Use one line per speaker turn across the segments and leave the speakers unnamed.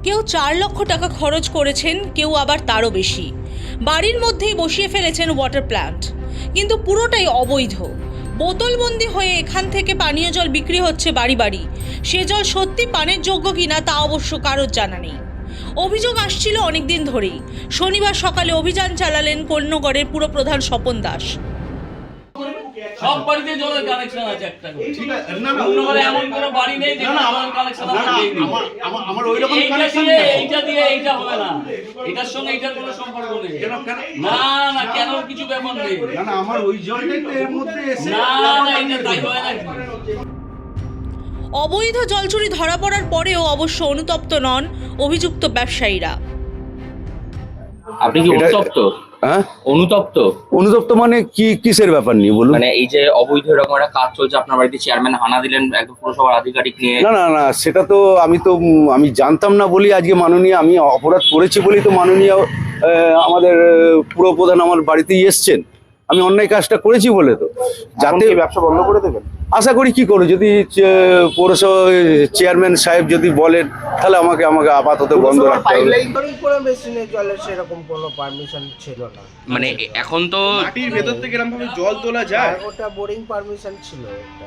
কেউ 4 লক্ষ টাকা খরচ করেছেন, কেউ আবার তারও বেশি। বাড়ির মধ্যেই বসিয়ে ফেলেছেন ওয়াটার প্ল্যান্ট, কিন্তু পুরোটাই অবৈধ। বোতলবন্দি হয়ে এখান থেকে পানীয় জল বিক্রি হচ্ছে বাড়ি বাড়ি। সে জল সত্যি পানের যোগ্য কিনা তা অবশ্য কারোর জানা নেই। অভিযোগ আসছিল অনেকদিন ধরেই। শনিবার সকালে অভিযান চালালেন কোন্নগরের পুরপ্রধান স্বপন দাস।
সব বাড়িতে জলের কানেকশন আছে একটা করে।
ঠিক আছে, না না
অন্যভাবে এমন কোনো বাড়ি নেই যে জলের কানেকশন আছে।
আমার ওই রকম কানেকশন
এইটা
নেই।
এইটা দিয়ে এইটা হবে না, এটার সঙ্গে এইটার কোনো সম্পর্ক নেই। না না, কেন কিছু ব্যাপার নেই।
না না, আমার ওই জলটাই তো এর মধ্যে এসে
না না, এটা তাই হয় নাকি?
অবৈধ জল চুরি ধরা পড়ার পরেও অবশ্য অনুতপ্ত নন অভিযুক্ত ব্যবসায়ীরা।
আপনি কি অনুতপ্ত?
হ্যাঁ,
অনুতপ্ত
মানে কি কিসের ব্যাপার নিয়ে বলুন?
মানে এই যে অবৈধ এরকম একটা কাজ চলছে আপনার বাড়িতে, চেয়ারম্যান হানা দিলেন একদম পুরসভার আধিকারিক নিয়ে।
না না না, সেটা তো আমি জানতাম না বলি আজকে মাননীয়, আমি অপরাধ করেছি বলেই তো মাননীয় আমাদের পুরপ্রধান আমার বাড়িতেই এসছেন। আমি অন্যায় কাজটা করেছি বলে তো, যাতে
ব্যবসা বন্ধ করে দেবেন।
আশা করি কি করে, যদি পৌরসভা চেয়ারম্যান সাহেব যদি বলেন তাহলে আমাকে আপাতত বন্ধ রাখতে হবে।
করে মেশিনে জলের সেরকম কোনো পারমিশন ছিল না।
মানে এখন তো
মাটির ভেতর থেকে এরকম ভাবে জল তোলা যায়?
আর ওটা বোরিং পারমিশন ছিল,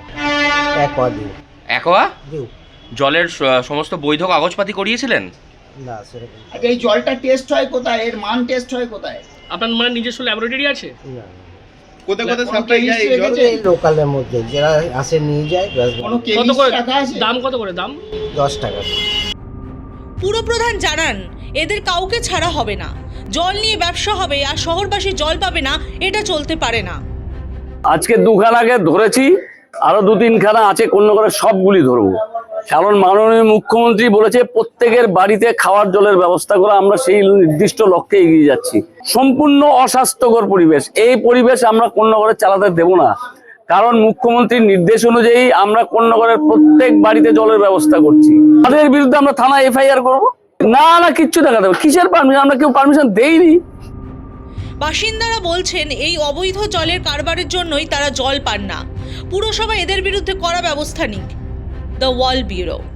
একোয়া
দিও
জলের সমস্ত বৈধ কাগজপাতি করিয়েছিলেন?
না সেরকম
আচ্ছা, এই জলটা টেস্ট হয় কোথায়? এর মান টেস্ট হয় কোথায়?
আপনার মানে নিজস্ব ল্যাবরেটরি আছে?
না
কোথায় কোথায় সাপ্লাই যায় এই জল?
এই লোকালের মধ্যে যারা আসে নিয়ে যায়,
কোনো
কত
কেমিস্ট
করে
রাখা আছে?
দাম? কত করে দাম?
10 টাকা।
পুরপ্রধান জানান এদের কাউকে ছাড়া হবে না। জল নিয়ে ব্যবসা হবে আর শহরবাসী জল পাবে না, এটা চলতে পারে না।
আজকে 2 খানা আগে ধরেছি, আরো 2-3 খানা আছে, কোন্নগরের সবগুলি ধরবো। কারণ মাননীয় মুখ্যমন্ত্রী বলেছে প্রত্যেকের বাড়িতে খাওয়ার জলের ব্যবস্থা করা, আমরা সেই নির্দিষ্ট লক্ষ্যে এগিয়ে যাচ্ছি। সম্পূর্ণ অস্বাস্থ্যকর পরিবেশ, এই পরিবেশ আমরা কোন্নগরে চালাতে দেব না। কারণ মুখ্যমন্ত্রীর নির্দেশ অনুযায়ী আমরা কোন্নগরের প্রত্যেক বাড়িতে জলের ব্যবস্থা করছি। তাদের বিরুদ্ধে আমরা থানা FIR করবো। না না, কিচ্ছু দেখা দেবো, কিসের পারমিশন? আমরা কেউ পারমিশন দেইনি।
বাসিন্দারা বলছেন এই অবৈধ জলের কারবারের জন্যই তারা জল পান না। পুরসভা এদের বিরুদ্ধে কড়া ব্যবস্থা নিক। The wall bureau.